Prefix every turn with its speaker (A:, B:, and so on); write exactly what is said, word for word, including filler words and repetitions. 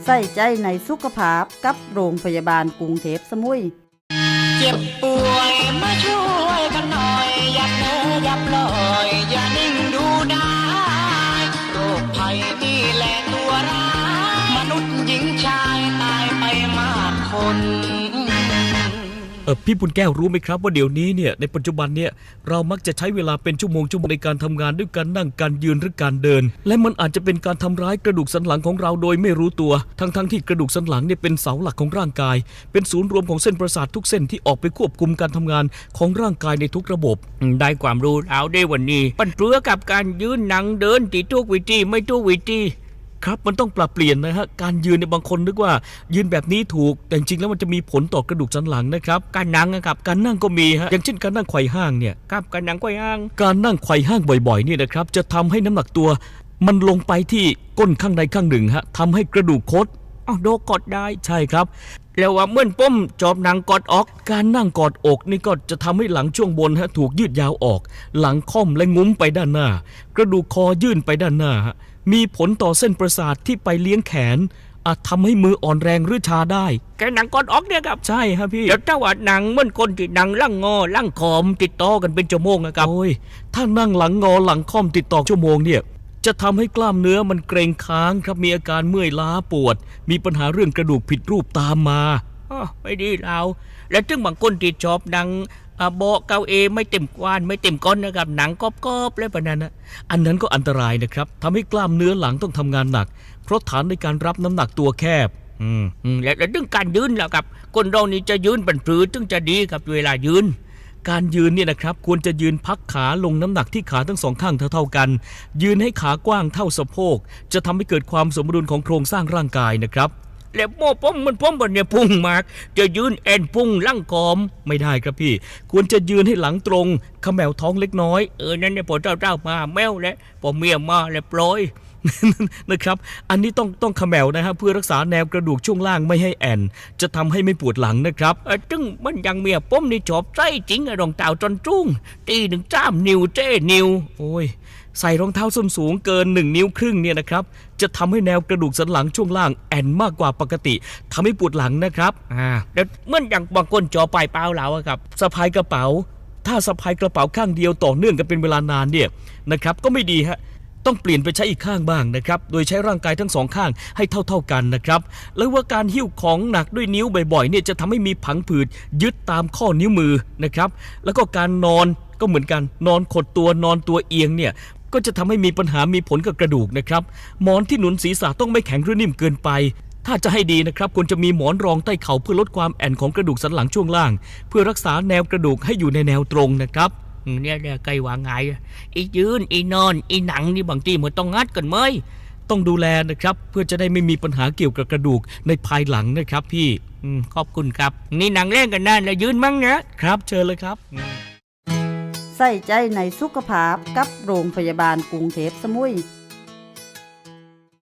A: ใส่ใจในสุขภาพกับโรงพยาบาลกรุงเทพสมุย
B: เจ็บป่วยมาช่วยกันหน่อยอย่าเพ้ออย่าปล่อยอย่านิ่งดูได้โรคภัยนี่แหละตัวร้ายมนุษย์หญิงชายตายไปมากคน
C: เออพี่บุญแก้วรู้ไหมครับว่าเดี๋ยวนี้เนี่ยในปัจจุบันเนี่ยเรามักจะใช้เวลาเป็นชั่วโมงชั่วโมงในการทำงานด้วยการนั่งการยืนหรือการเดินและมันอาจจะเป็นการทำร้ายกระดูกสันหลังของเราโดยไม่รู้ตัวทั้งๆ ท, ที่กระดูกสันหลังเนี่ยเป็นเสาหลักของร่างกายเป็นศูนย์รวมของเส้นประสาททุกเส้นที่ออกไปควบคุมการทำงานของร่างกายในทุกระบบ
D: ได้ความรู้แล้วได้วันนี้ปันเปลือกับการยืนนั่งเดินติดทุกวิธีไม่ทุกวิธี
C: ครับมันต้องปรับเปลี่ยนนะฮะการยืนในบางคนนึกว่ายืนแบบนี้ถูกแต่จริงๆแล้วมันจะมีผลต่อกระดูกสันหลังนะครับ
D: การนั่งนะครับ
C: การนั่งก็มีฮะอย่างเช่นการนั่งไขว่ห้างเนี่ย
D: ครับการนั่งไขว่ห้าง
C: การนั่งไขว่ห้างบ่อยๆนี่นะครับจะทำให้น้ำหนักตัวมันลงไปที่ก้นข้างใดข้างหนึ่งฮะทำให้กระดูกคด
D: อ้าวโดกดได้
C: ใช่ครับ
D: แล้วว่าเมื่อป้มจอบนั่งกอดออก
C: การนั่งกอดอกนี่ก็จะทำให้หลังช่วงบนฮะถูกยืดยาวออกหลังค่อมและงุ้มไปด้านหน้ากระดูกคอยื่นไปด้านหน้าฮะมีผลต่อเส้นประสาทที่ไปเลี้ยงแขนอาจทำให้มืออ่อนแรงหรือชาได้
D: แกหนังกอดออกเนี่ยครับ
C: ใช่ครับพี่
D: เดี๋ยวถ้าว่าหนังเหมือนคนที่หนังล่างงอล่างขอมติดต่อกันเป็นชั่วโมงนะครับ
C: โอ้ยถ้านั่งหลังงอหลังค่อมติดต่อชั่วโมงเนี่ยจะทำให้กล้ามเนื้อมันเกร็งค้างครับมีอาการเมื่อยล้าปวดมีปัญหาเรื่องกระดูกผิดรูปตามมา
D: อ๋อไม่ดีเราและถึงบางคนที่ชอบหนังเบาะเกาเอไม่เต็มกวานไม่เต็มก้อนนะครับหนังกรอบๆแล้วแบบนั้นนะ
C: อันนั้นก็อันตรายนะครับทำให้กล้ามเนื้อหลังต้องทำงานหนักเพราะฐานในการรับน้ำหนักตัวแคบ
D: อืมและและเรื่องการยืนแล้วครับคนเรานี่จะยืนเป็นปรือถึงจะดีครับเวลายืน
C: การยืนเนี่ยนะครับควรจะยืนพักขาลงน้ำหนักที่ขาทั้งสองข้างเท่าๆกันยืนให้ขากว้างเท่าสะโพกจะทำให้เกิดความสมดุลของโครงสร้างร่างกายนะครับ
D: แล้วโม่ป้อมมันป้อมบนเนี่ยพุ่งมากจะยืนแอนพุ่งลั่งกอม
C: ไม่ได้ครับพี่ควรจะยืนให้หลังตรงขมแมวท้องเล็กน้อย
D: เออนั่นเนี่ยพอเจ้าเจ้ามาแมวแล้วพอเมียมาแล้วปล่อย
C: นะครับอันนี้ต้องต้องขมแมวนะฮะเพื่อรักษาแนวกระดูกช่วงล่างไม่ให้แอนจะทำให้ไม่ปวดหลังนะครับ
D: เออจึงมันยังเมียป้อมนี่จอบใจจริงอะรองเท้าจนจุ้งตีหนึ่งจ้ามนิ้วเจ้นิ้ว
C: โอ้ยใส่รองเท้าส้นสูงเกินหนึ่งนิ้วครึ่งเนี่ยนะครับจะทำให้แนวกระดูกสันหลังช่วงล่างแอนมากกว่าปกติทำให้ปวดหลังนะครับ
D: อ่าแล้วเมื่ออย่างบางคนจอปลายเปล่าแล้วครับ
C: สะพายกระเป๋าถ้าสะพายกระเป๋าข้างเดียวต่อเนื่องกันเป็นเวลานานเนี่ยนะครับก็ไม่ดีฮะต้องเปลี่ยนไปใช้อีกข้างบ้างนะครับโดยใช้ร่างกายทั้งสองข้างให้เท่าๆกันนะครับแล้วว่าการหิ้วของหนักด้วยนิ้วบ่อยๆเนี่ยจะทำให้มีผังผืดยึดตามข้อนิ้วมือนะครับแล้วก็การนอนก็เหมือนกันนอนขดตัวนอนตัวเอียงเนี่ยก็จะทำให้มีปัญหามีผลกับกระดูกนะครับหมอนที่หนุนศีรษะต้องไม่แข็งหรือนิ่มเกินไปถ้าจะให้ดีนะครับควรจะมีหมอนรองใต้เข่าเพื่อลดความแอนของกระดูกสันหลังช่วงล่างเพื่อรักษาแนวกระดูกให้อยู่ในแนวตรงนะครับ
D: เนี่ยเนี่ยไกลว่าไงอียืนอีนอนอีหนังนี่บางทีมันต้องงัดกันไหม
C: ต้องดูแลนะครับเพื่อจะได้ไม่มีปัญหาเกี่ยวกับกระดูกในภายหลังนะครับพี่
D: ขอบคุณครับนี่หนังเล่นกันนั่นแล้วยืนมั้ง
C: นะครับเชิญเลยครับ
A: ใส่ใจในสุขภาพกับโรงพยาบาลกรุงเทพสมุย